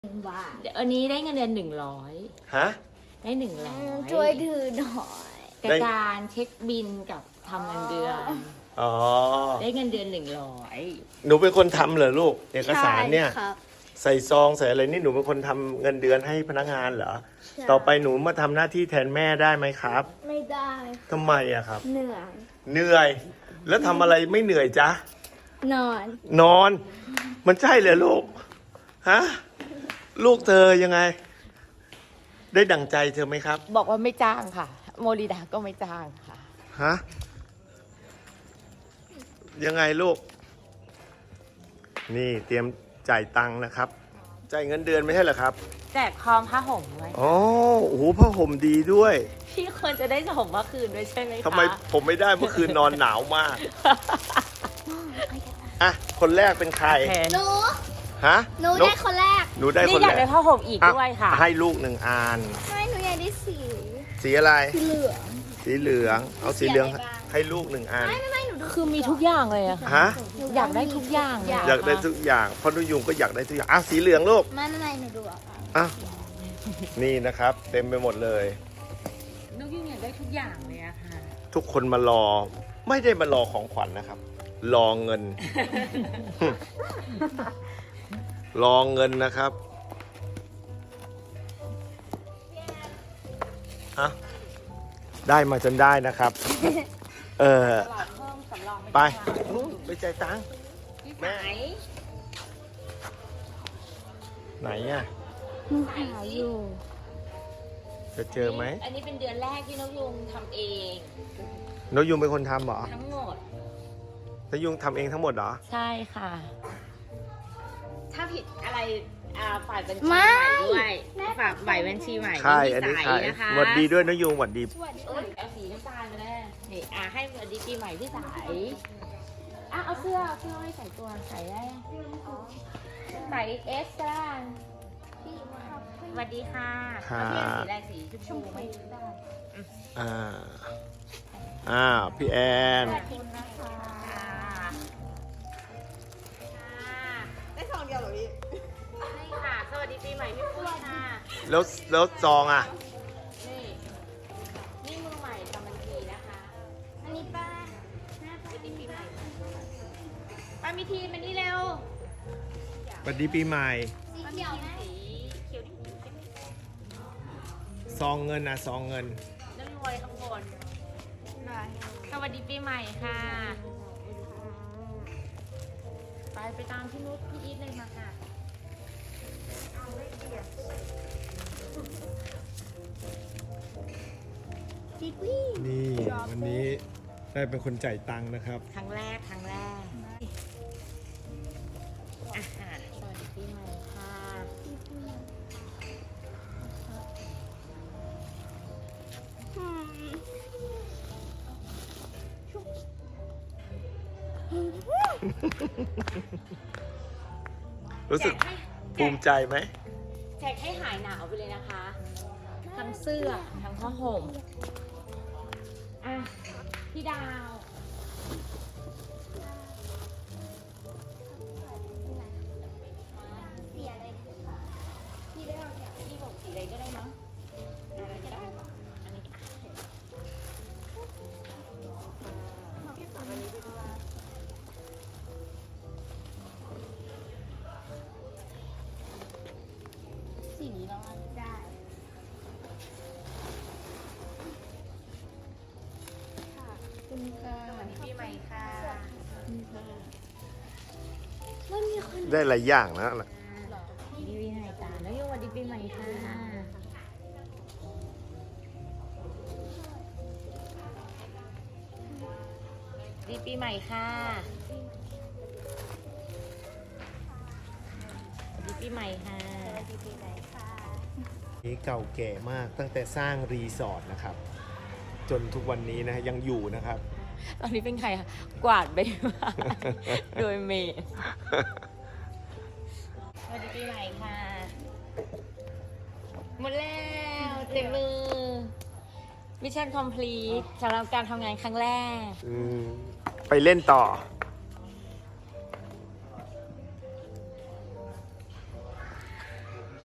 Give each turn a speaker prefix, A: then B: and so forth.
A: บาท
B: เดี๋ยวอันนี้ได้เงินเดือน100
C: ฮะ
B: ได้100
A: ช่วยถือหน่อย
B: กับการเช็คบินกับทำเงินเดือน
C: อ๋อ
B: ได้เงินเดือน
C: หนูเป็นคนทำเหรอลูกเอกสารเนี่ย
A: ใช่ครับ
C: ใส่ซองใส่อะไรนี่หนูเป็นคนทำเงินเดือนให้พนักงานเหรอ
A: ใช่
C: ต่อไปหนูมาทำหน้าที่แทนแม่ได้ไหมครับ
A: ไม่ได้
C: ทำไมอะครับ
A: เหนื่อย
C: เหนื่อย แล้วทำอะไรไม่เหนื่อยจ๊ะ
A: นอน
C: นอน มันใช่เหรอลูก ฮะ ลูกเธอยังไง ได้ดั่งใจเธอไหมครับ
B: บอกว่าไม่จ้างค่ะ โมริดาก็ไม่จ้างค่ะ
C: ฮะ ยังไงลูก นี่เตรียมจ่ายตังค์นะครับ จ่ายเงินเดือนไม่ใช่เหรอครับ
B: แจกพร้อมผ้าห่มด้วย
C: อ๋อ โอ้โหผ้าห่มดีด้วย
B: พี่ควรจะได้ห่มเมื่อคืนด้วยใช่ไหมคะ
C: ทำไมผมไม่ได้เมื่อคืนนอนหนาวมาก อ่ะ คนแรกเป็นใคร
B: โอเค
A: หนู
C: ฮะ
A: หนูได้คนแรก
C: หนูได้
B: นี่
C: คน
B: อยา
C: แร
B: ก
C: ก
B: ได้ผ้าห่มอีก
C: อ่ะ
B: ด้วยค่ะ
C: ให้ลูกหนึ่งอัน
A: ไม่หนูอยากได้สี
C: สีอะไร
A: สีเหลือง
C: สีเหลือง เอาสีเหลือง
A: สีอะไรบ้าง
C: ให้ลูกหนึ่งอัน
A: ไม่หนูดู
B: คือมีทุกอย่างเลยอะค่ะ
C: ฮะ
B: อยากได้ทุกอย่างเล
C: อยากได้ทุกอย่างเพราะนุยุงก็อยากได้ทุกอย่างอ่ะสีเหลืองลูก
A: ไม่หนูดูอ่ะ
C: อ่ะ นี่นะครับ เต็มไปหมดเลย
B: นุกยิ่งอยากได้ทุกอย่างเลยอะค่ะ
C: ทุกคนมารอ ไม่ได้มารอของขวัญนะครับ รอเงิน รอเงินนะครับอ่ะได้มาจนได้นะครับ เออ ไปนู่นไปจ่ายตังค์
B: ไหน
C: ไหนอ่ะ
A: หนูหาอยู่
C: จะเจอไหม
B: อันนี้เป็นเดือนแรกที่นกยุงทำเอง
C: นกยุงเป็นคนทำเหรอ
B: ทั้งหมด
C: นกยุงทำเองทั้งหมดเหรอ
B: ใช่ค่ะ ถ้าผิดอะไรฝ่ายบัญชีใหม่ด้วยฝากฝ่ายบัญชีใหม่
C: ใช่ อันนี้
B: ใส
C: ใช่
B: นะคะ
C: หวัดดีด้วยนกยุงหวัดดี
B: เอ้ยเอาสีน้ำตาลมาแน่นี่ให้สวัสดีปีใหม่พี่สายเอาเสื้อให้ใส่ตัวใส่ได้ใส่เอสก็ได้สวัสดีค่ะ
C: ค่ะ
B: เอาเสื้อสีอะไรสีชมพูไหมได้
C: อ่า พี่แอน
B: ขอบคุณนะคะได้ซองเดียวเหรอพี่ใช่ค่ะ สวัสดีปีใหม่พี่ปุ้ยค่ะ
C: แล้วซองอ่ะ
B: นี่มือใหม่ทำบัญชีนะคะ
A: อันนี้ป้า
B: สวัสดีปีใหม่ป้ามีทีมันนี่เร็ว
C: สวัสดีปีใหม่
A: สีเขียวนะ
B: สีเขียวนี่
C: ซองเงินนะซองเงิน
B: น้ำรวยข้างบนสวัสดีปีใหม่ค่ะ ไปตามพี่นุชพี่อีทเลยมาค่ะ
A: สีกุ้ย
C: นี่วันนี้ได้เป็นคนจ่ายตังค์นะครับ
B: ครั้งแรกสวัสดีปีใหม่ค่ะ
C: รู้สึกภูมิใจไหม
B: แจกให้หายหนาวไปเลยนะคะ ทั้งเสื้อ ทั้งผ้าห่มพี่ดาว
A: สีอะไร
B: พี่ได้พี่บอกสีอะไรก็ได้มั้งอะไรก็ได้อันนี้
A: สีนี้เราได้ค่ะคุณค่ะ
B: สวัสดีปีใหม่ค่ะ
A: มันมีคน
C: ได้หลายอย่างนะ
B: ดีปีใหม่จ้าแล้วยังวันดีปีใหม่ค่ะดีปีใหม่ค่ะดีปีใหม่ค่ะ
A: ดีปีไหนค่ะ
C: นี่เก่าแก่มากตั้งแต่สร้างรีสอร์ทนะครับ จนทุกวันนี้นะยังอยู่นะครับ
B: ตอนนี้เป็นใครคะกวาดใบไม้โดยเมย์สวัสดีปีใหม่ค่ะ หมดแล้วเต็มมือ มิชชั่นคอมพลีทสำหรับการทำงานครั้งแรก
C: ไปเล่นต่อ